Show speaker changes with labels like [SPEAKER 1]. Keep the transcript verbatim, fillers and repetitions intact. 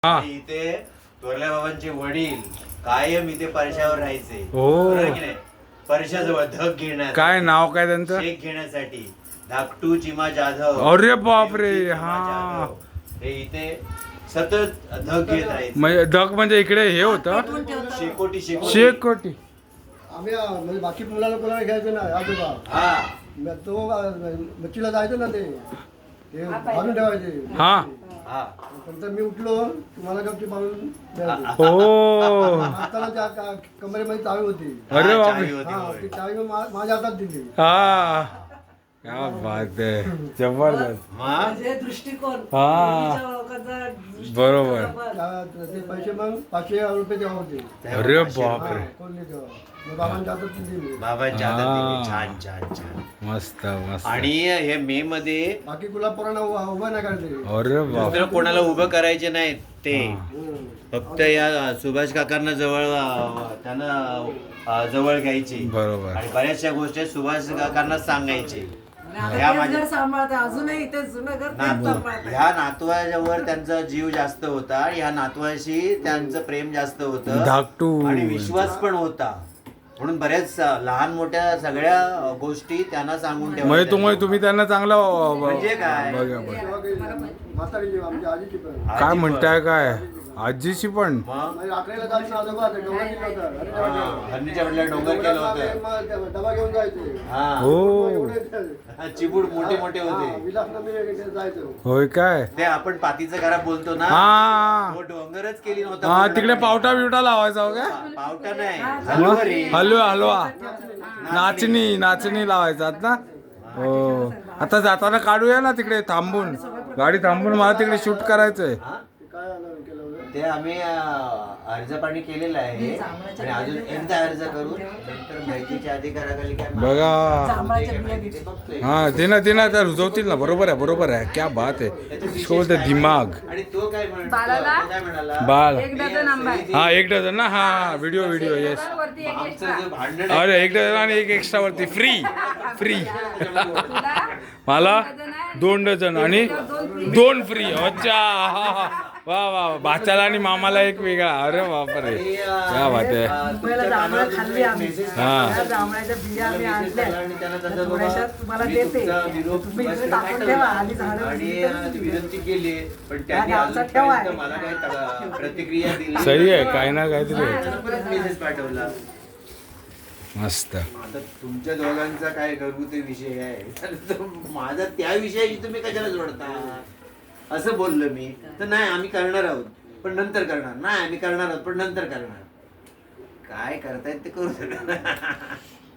[SPEAKER 1] हा.
[SPEAKER 2] इथे थोरल्या बाबांचे वडील कायम इथे परशावर राहायचे.
[SPEAKER 1] हो.
[SPEAKER 2] बरोबर की नाही? परशाजवळ धग घेण्यासाठी.
[SPEAKER 1] काय नाव काय त्यांचं?
[SPEAKER 2] शेक घेण्यासाठी धाकटू चिमा जाधव.
[SPEAKER 1] अरे बापरे,
[SPEAKER 2] चिमा
[SPEAKER 1] हा.
[SPEAKER 2] जाधव. हे इथे सतत धग घेत राहायचे.
[SPEAKER 1] म्हणजे डग म्हणजे इकडे हे होतं
[SPEAKER 2] शेकोटी शेकोटी
[SPEAKER 1] शेक कोटी.
[SPEAKER 3] आम्ही आ, म्हणजे बाकी मुलाला कोणाला घ्यायचं ना आजोबा
[SPEAKER 2] हा
[SPEAKER 3] मग तो आ, मच्छीला जायचं ना ते ते बांधून ठेवायचे
[SPEAKER 1] हा.
[SPEAKER 2] हा
[SPEAKER 3] नंतर मी उठलो तुम्हाला गपची बांधून द्यायचे.
[SPEAKER 1] हो.
[SPEAKER 3] हाताला त्या का- कमरेमध्ये चावी होती.
[SPEAKER 1] अरे
[SPEAKER 2] हा,
[SPEAKER 1] बापरे.
[SPEAKER 2] चावी होती,
[SPEAKER 3] हा
[SPEAKER 2] होय.
[SPEAKER 3] ती चावी मी मा- माझ्या हातात दिली.
[SPEAKER 1] हा. क्या बात आहे, जबरदस्त.
[SPEAKER 2] मग
[SPEAKER 4] म्हणजे दृष्टिकोन
[SPEAKER 1] हा.
[SPEAKER 4] पूर्वीच्या लोकांचा दृष्टिकोन
[SPEAKER 1] बरोबर.
[SPEAKER 4] बरोबर.
[SPEAKER 3] त्या- ते पैसे मग पाचशे रुपये तेव्हा होते.
[SPEAKER 1] अरे
[SPEAKER 3] हा,
[SPEAKER 1] बापरे,
[SPEAKER 3] कोणले तेव्हा मग बाबांच्या हातात ती दिली.
[SPEAKER 2] बाबांच्या हातात दिली.
[SPEAKER 1] हा.
[SPEAKER 2] छान छान छान.
[SPEAKER 1] मस्त मस्त.
[SPEAKER 2] आणि हे मे मध्ये
[SPEAKER 3] बाकी गुलाबपोरांना उभा उभा नाही करायचे.
[SPEAKER 1] अरे बाप.
[SPEAKER 2] दुसरं कोणाला उभं करायचे नाहीत ते.
[SPEAKER 3] हम्म.
[SPEAKER 2] फक्त या सुभाष काकांना जवळ अं, त्यांना अं, जवळ घ्यायची.
[SPEAKER 1] बरोबर.
[SPEAKER 2] आणि बऱ्याचशा गोष्टी सुभाष काकांना सांगायचे.
[SPEAKER 4] आणि
[SPEAKER 2] ह्या
[SPEAKER 4] आता तेच
[SPEAKER 2] माझ्या
[SPEAKER 4] घर सांभाळते अजूनही ते जुनं घर तेच
[SPEAKER 2] नातू
[SPEAKER 4] सांभाळते.
[SPEAKER 2] ह्या नातवावर त्यांचा जीव जास्त होता. ह्या नातवाशी त्यांचं प्रेम जास्त होतं
[SPEAKER 1] धाकटू.
[SPEAKER 2] आणि विश्वास पण होता. म्हणून बऱ्याच लहान मोठ्या सगळ्या गोष्टी त्यांना सांगून
[SPEAKER 1] म्हणजे
[SPEAKER 2] ठेवायच्या.
[SPEAKER 1] तुम्ही तुम्ही त्यांना चांगलं अ, ब-
[SPEAKER 2] म्हणजे काय?
[SPEAKER 1] बघा बघा.
[SPEAKER 3] तेव्हा काही म्हातारीची आमची आजीची पण
[SPEAKER 1] काय
[SPEAKER 2] आजी
[SPEAKER 1] म्हणताय काय आजीची पण?
[SPEAKER 2] मग
[SPEAKER 3] म्हणजे रात्रीला जायचं आजोबा ते डोंगर केलं होतं. अरे
[SPEAKER 2] हा,
[SPEAKER 3] डोंगर
[SPEAKER 2] हरणीच्या वडिला डोंगर केलं होतं.
[SPEAKER 3] मग ते डबा घेऊन जायचे.
[SPEAKER 2] हा
[SPEAKER 1] हो.
[SPEAKER 3] मग एवढे
[SPEAKER 2] चिबूड मोठे मोठे
[SPEAKER 3] हा,
[SPEAKER 2] होते.
[SPEAKER 3] विलासनगरला जायचो.
[SPEAKER 1] होय काय?
[SPEAKER 2] ते आपण पातीचं घरा बोलतो ना,
[SPEAKER 1] हा
[SPEAKER 2] तो डोंगरच केली नव्हता.
[SPEAKER 1] हा
[SPEAKER 2] पूर्ण
[SPEAKER 1] तिकडे
[SPEAKER 2] पाणी.
[SPEAKER 1] पावटा बिवटा लावायचा हो काय?
[SPEAKER 2] पा- पावटा नाही हलवरी.
[SPEAKER 1] हलवा हलवा नाचणी नाचणी लावायचात ना. हो. आता जाताना काढूया ना तिकडे थांबून, गाडी थांबून मला तिकडे शूट करायचंय.
[SPEAKER 2] हा?
[SPEAKER 3] ते काय आलं केलं होतं?
[SPEAKER 2] ते आम्ही अं, अर्ज पाणी केलेलं आहे आणि अजून एकदा अर्ज करून नंतर माहितीच्या अधिकाराखाली काय
[SPEAKER 1] बघा.
[SPEAKER 4] जांभळाच्या बिया
[SPEAKER 2] माहिती ते बघतोय.
[SPEAKER 1] हा ते ना ते ना त्या रुजवतील ना. बरोबर आहे बरोबर आहे. क्या बात आहे. शो द दिमाग.
[SPEAKER 2] आणि तो काय म्हण-
[SPEAKER 5] बाळाला?
[SPEAKER 2] तो काय म्हणाला?
[SPEAKER 1] बाळ.
[SPEAKER 5] एक डझन आंबा आहे.
[SPEAKER 1] हा एक डझन ना. हा व्हिडिओ व्हिडिओ येस.
[SPEAKER 5] वरती एक
[SPEAKER 2] आमचं
[SPEAKER 5] एक्स्ट्रा.
[SPEAKER 2] जे भांडण आहे,
[SPEAKER 1] अरे एक डझन आणि एक एक्स्ट्रा वरती फ्री फ्री.
[SPEAKER 5] तुला
[SPEAKER 1] मला दोन डझन आणि दोन फ्री. अच्छा हा हा. वा वा वा. भाच्याला आणि मामाला एक वेगळा. अरे बापरे,
[SPEAKER 2] आणि, अं,
[SPEAKER 1] क्या बात आहे.
[SPEAKER 2] अं,
[SPEAKER 4] मुंबईला
[SPEAKER 2] तुमच्या
[SPEAKER 4] जांभळं
[SPEAKER 2] कानावर
[SPEAKER 4] खाल्ली आम्ही.
[SPEAKER 2] मेसेज
[SPEAKER 1] हा.
[SPEAKER 4] त्या जांभळाच्या बिया आम्ही आणल्या.
[SPEAKER 2] आणि त्यांना तसं
[SPEAKER 4] त्या थोड्याशा तुम्हाला
[SPEAKER 2] मी
[SPEAKER 4] देते.
[SPEAKER 2] तुमचा निरोप
[SPEAKER 4] तुम्ही इकडे
[SPEAKER 2] सुभाषकडे
[SPEAKER 4] टाकून
[SPEAKER 2] पाठवला.
[SPEAKER 4] ठेवा. आधी झाडं
[SPEAKER 2] आणि
[SPEAKER 4] दिली
[SPEAKER 2] अं,
[SPEAKER 4] तरी
[SPEAKER 2] ती विनंती केली पण त्यांनी
[SPEAKER 4] हा, गावचा ठेवा
[SPEAKER 2] अजूनपर्यंत
[SPEAKER 4] आहे.
[SPEAKER 2] मला काही तक- प्रतिक्रिया दिली
[SPEAKER 1] सही आहे काय ना काहीतरी.
[SPEAKER 2] त्यांना परत मेसेज पाठवला.
[SPEAKER 1] मस्त.
[SPEAKER 2] आता तुमच्या दोघांचा काय घरगुती विषय आहे तर तो माझा त्या विषयाशी तुम्ही कशाला जोडता असं बोललो मी. तर नाही आम्ही करणार आहोत पण नंतर करणार. नाही आम्ही करणार आहोत पण नंतर करणार. काय करतायत ते करू शकणार.